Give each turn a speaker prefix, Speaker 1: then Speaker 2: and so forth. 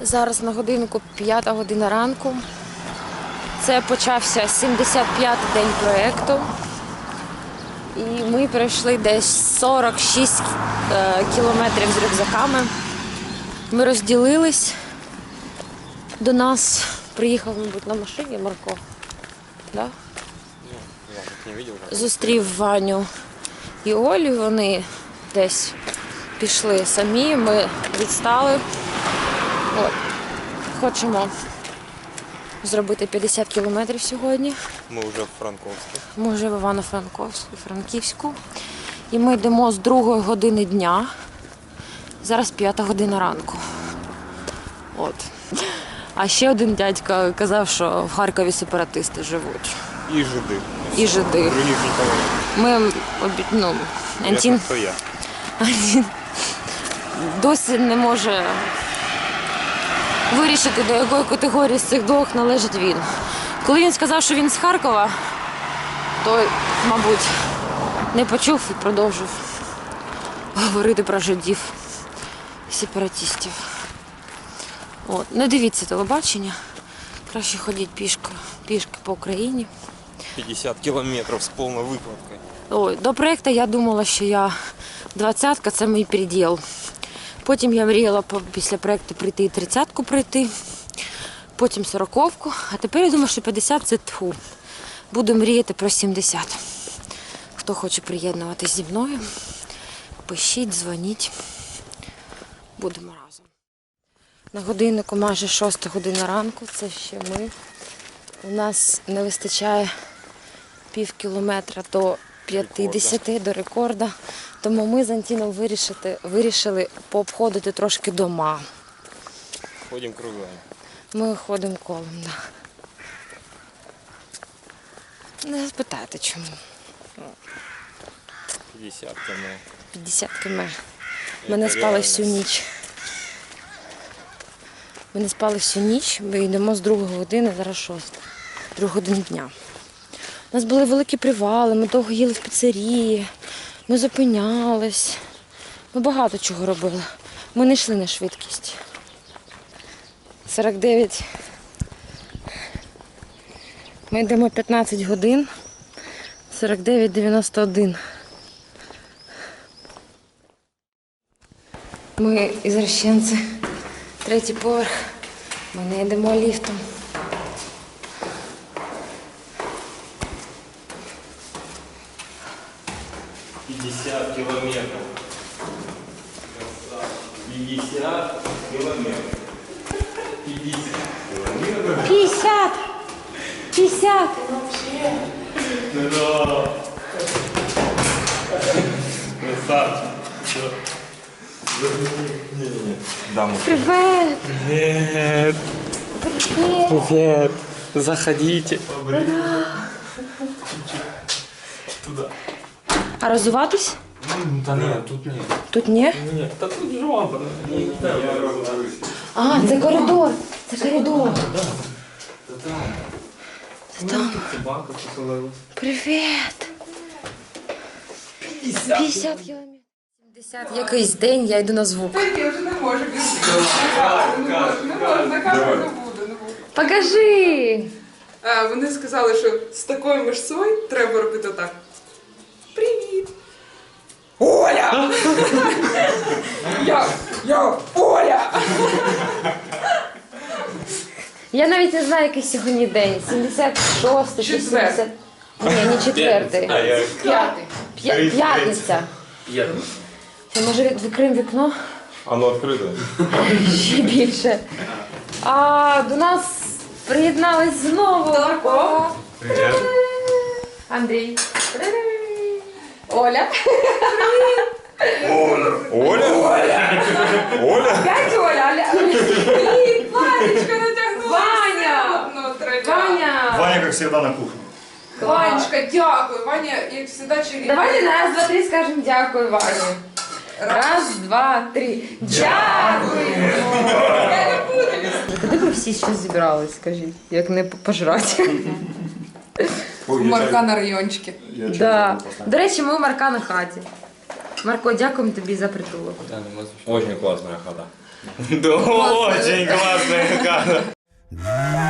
Speaker 1: Зараз на годинку 5 година ранку. Це почався 75-й день проєкту. І ми пройшли десь 46 кілометрів з рюкзаками. Ми розділились. До нас приїхав, мабуть, на машині Марко. Да? Зустрів Ваню і Олю. Вони десь пішли самі, ми відстали. От. Хочемо зробити 50 кілометрів сьогодні.
Speaker 2: Ми вже в Франковську.
Speaker 1: Ми вже в Івано-Франківську. І ми йдемо з 2 години дня. Зараз 5 година ранку. От. А ще один дядько казав, що в Харкові сепаратисти живуть.
Speaker 2: І жиди.
Speaker 1: І жиди.
Speaker 2: Других нікого.
Speaker 1: Ми, Антін
Speaker 2: Хто я?
Speaker 1: досі не може вирішити, до якої категорії з цих двох належить він. Коли він сказав, що він з Харкова, то, мабуть, не почув і продовжив говорити про жидів і сепаратистів. От. Не дивіться телебачення, краще ходіть пішки по Україні.
Speaker 2: 50 кілометрів з повною викладкою.
Speaker 1: Ой, до проєкту я думала, що я 20-ка – це мій приділ. Потім я мріяла після проєкту прийти і 30-ку пройти, потім 40-ку, а тепер я думаю, що 50 – це тьфу. Буду мріяти про 70. Хто хоче приєднуватись зі мною, пишіть, дзвоніть. Будемо разом. На годиннику майже 6 година ранку, це ще ми. У нас не вистачає пів кілометра до 50, до рекорда. Тому ми з Антіном вирішили пообходити трошки дома.
Speaker 2: Ходимо кругом.
Speaker 1: Ми ходимо колом, так. Да. Не спитайте, чому.
Speaker 2: 50 км.
Speaker 1: 50 км. Ми не спали всю ніч. Ми не спали всю ніч, ми йдемо з 2 години, зараз 6. 2 години дня. У нас були великі привали, ми довго їли в піцерії, ми зупинялись. Ми багато чого робили. Ми не йшли на швидкість. 49. Ми йдемо 15 годин. 49,91. Ми ізращенці. 3-й поверх. Ми не йдемо ліфтом.
Speaker 2: Кілометрів. 50 кілометрів.
Speaker 1: 50! 50! Привет!
Speaker 2: Привет!
Speaker 1: Привет!
Speaker 2: Привет! Заходите. Туда.
Speaker 1: А розуватись?
Speaker 2: Та ні, тут ні.
Speaker 1: Тут ні?
Speaker 2: Ні, та тут жопа.
Speaker 1: А, це коридор. Це коридор. Це там.
Speaker 2: Собака поселилась.
Speaker 1: Привіт. 50 кілометрів. 70 якийсь день, я йду на звук.
Speaker 3: Та ні, вже не можу. Не можу, на камеру не буду.
Speaker 1: Покажи.
Speaker 3: Вони сказали, що з такою мишцою треба робити так. Привіт! Оля! Я Оля!
Speaker 1: Я навіть не знаю, який сьогодні день. 76-й чи 70. Ні, не 4-й. П'ятниця. Це, може, відкриємо вікно?
Speaker 2: Оно відкрите.
Speaker 1: Ще більше. А до нас приєднались знову Марко.
Speaker 2: Привіт.
Speaker 1: Андрій. Привіт. Оля.
Speaker 2: Оля? Оля?
Speaker 1: П'ять Оля.
Speaker 3: Привіт, Ванечка натягнула.
Speaker 1: Ваня. Ваня.
Speaker 4: Ваня, как всегда, на кухне.
Speaker 3: Ванечка, дякую. Ваня, як завжди, чарівна.
Speaker 1: Давайте на раз, два, три скажемо дякую, Вані. Раз, два, три. Дякую.
Speaker 3: Я не буду.
Speaker 1: Куди ви всі ще зібрались, скажіть, як не пожрати?
Speaker 3: У Марка на райончики.
Speaker 1: Да. До речі, ми у Марка на хаті. Марко, дякуємо тобі за притулок.
Speaker 2: Очень классная хата. Да, очень классная Да.